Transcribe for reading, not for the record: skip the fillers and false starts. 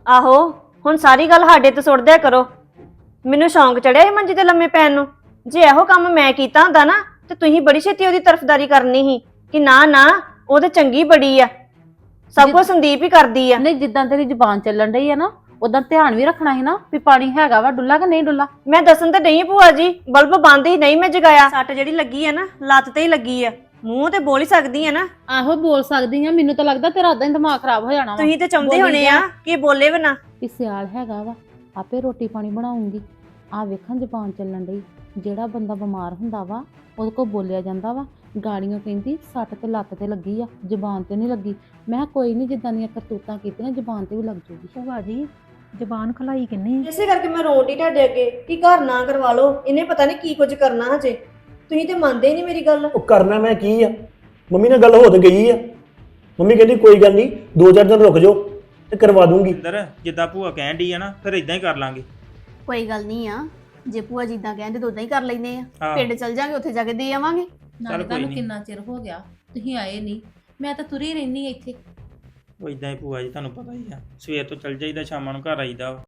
ਆਹੋ ਹੁਣ ਸਾਰੀ ਗੱਲ ਸਾਡੇ ਤੇ ਸੁੱਟ ਦਿਆ ਕਰੋ। ਮੈਨੂੰ ਸ਼ੌਂਕ ਚੜਿਆ ਸੀ ਮੰਜੀ ਤੇ ਲੰਮੇ ਪੈਣ ਨੂੰ। ਜੇ ਇਹੋ ਕੰਮ ਮੈਂ ਕੀਤਾ ਹੁੰਦਾ ਨਾ ਤੇ ਤੁਸੀਂ ਬੜੀ ਛੇਤੀ ਉਹਦੀ ਤਰਫਦਾਰੀ ਕਰਨੀ ਸੀ ਕਿ ਨਾ ਨਾ ਉਹ ਤੇ ਚੰਗੀ ਬੜੀ ਆ, ਸਭ ਕੁਝ ਸੰਦੀਪ ਹੀ ਕਰਦੀ ਆ। ਨਹੀਂ ਜਿੱਦਾਂ ਤੇਰੀ ਜ਼ੁਬਾਨ ਚੱਲਣ ਡਈ ਆ ਨਾ ਉਦਾਂ ਧਿਆਨ ਵੀ ਰੱਖਣਾ ਸੀ ਨਾ ਵੀ ਪਾਣੀ ਹੈਗਾ ਵਾ ਡੁੱਲਾ ਕਿ ਨਹੀਂ ਡੁੱਲਾ। ਮੈਂ ਦੱਸਣ ਤਾਂ ਨਹੀਂ ਭੂਆ ਜੀ, ਬਲਬ ਬੰਦ ਹੀ ਨਹੀਂ ਮੈਂ ਜਗਾਇਆ। ਸੱਟ ਜਿਹੜੀ ਲੱਗੀ ਆ ਨਾ ਲੱਤ ਤੇ ਹੀ ਲੱਗੀ ਆ, ਮੂੰਹ ਤੇ ਬੋਲ ਹੀ ਸਕਦੀ ਆ ਨਾ। ਆਹੋ ਬੋਲ ਸਕਦੀ ਆ, ਮੈਨੂੰ ਤਾਂ ਲੱਗਦਾ ਤੇਰਾ ਉਦਾਂ ਹੀ ਦਿਮਾਗ ਖਰਾਬ ਹੋ ਜਾਣਾ ਵਾ। ਤੁਸੀਂ ਤੇ ਚਾਹੁੰਦੇ ਹੋਣੇ ਆ ਕਿ ਬੋਲੇ ਵੀ ਨਾ। ਵੀ ਸਿਆਲ ਹੈਗਾ ਵਾ ਆਪੇ ਰੋਟੀ ਪਾਣੀ ਬਣਾਉਂਗੀ। ਆ ਵੇਖਾਂ ਜ਼ੁਬਾਨ ਚੱਲਣ ਡਈ। ਜਿਹੜਾ ਬੰਦਾ ਬਿਮਾਰ ਹੁੰਦਾ ਵਾ ਉਹਦੇ ਕੋਲ ਬੋਲਿਆ ਜਾਂਦਾ ਵਾ। ਗਾੜੀਆਂ ਕਹਿੰਦੀ ਸੱਟ ਤੇ ਲੱਤ ਤੇ ਲੱਗੀ ਆ, ਜ਼ੁਬਾਨ ਤੇ ਨਹੀਂ ਲੱਗੀ। ਮੈਂ ਕਿਹਾ ਕੋਈ ਨਹੀਂ, ਜਿੱਦਾਂ ਦੀਆਂ ਕਰਤੂਤਾਂ ਕੀਤੀਆਂ ਜ਼ੁਬਾਨ ਤੇ ਵੀ ਲੱਗ ਜੂਗੀ। ਭੂਆ ਜੀ ਜ਼ਬਾਨ ਖਲਾਈ ਕਿੰਨੀ? ਇਸੇ ਕਰਕੇ ਮੈਂ ਰੋਟੀ ਤੁਹਾਡੇ ਅੱਗੇ ਕਿ ਘਰ ਨਾ ਕਰਵਾ ਲਓ, ਇਹਨੇ ਪਤਾ ਨਹੀਂ ਕੀ ਕੁਝ ਕਰਨਾ ਹਜੇ। ਤੁਸੀਂ ਤੇ ਮੰਨਦੇ ਹੀ ਨਹੀਂ ਮੇਰੀ ਗੱਲ। ਉਹ ਕਰਨਾ ਮੈਂ ਕੀ ਆ, ਮੰਮੀ ਨਾਲ ਗੱਲ ਹੋ ਤੇ ਗਈ ਆ। ਮੰਮੀ ਕਹਿੰਦੀ ਕੋਈ ਗੱਲ ਨਹੀਂ 2-4 ਦਿਨ ਰੁਕ ਜਾਓ ਤੇ ਕਰਵਾ ਦੂੰਗੀ। ਅੰਦਰ ਜਿੱਦਾਂ ਭੂਆ ਕਹਿਣ ਡਈ ਆ ਨਾ ਫਿਰ ਇਦਾਂ ਹੀ ਕਰ ਲਾਂਗੇ। ਕੋਈ ਗੱਲ ਨਹੀਂ ਆ, ਜੇ ਭੂਆ ਜਿੱਦਾਂ ਕਹਿੰਦੇ ਤਾਂ ਉਦਾਂ ਹੀ ਕਰ ਲੈਨੇ ਆ। ਹਾਂ। ਪਿੰਡ ਚੱਲ ਜਾਾਂਗੇ, ਉੱਥੇ ਜਾ ਕੇ ਦੇ ਆਵਾਂਗੇ। ਨਾਲੇ ਕੋਈ ਤੁਹਾਨੂੰ ਨੀ। ਕਿੰਨਾ ਚਿਰ ਹੋ ਗਿਆ ਤੁਸੀਂ ਆਏ ਨਹੀਂ, ਮੈਂ ਤਾਂ ਤੁਰੀ ਰਹਿਨੀ ਇੱਥੇ। ਉਹ ਇਦਾਂ ਹੀ ਭੂਆ ਜੀ ਤੁਹਾਨੂੰ ਪਤਾ ਹੀ ਆ, ਸਵੇਰ ਤੋਂ ਚੱਲ ਜਾਈਦਾ ਸ਼ਾਮਾਂ ਨੂੰ ਘਰ ਆਈਦਾ ਵਾ।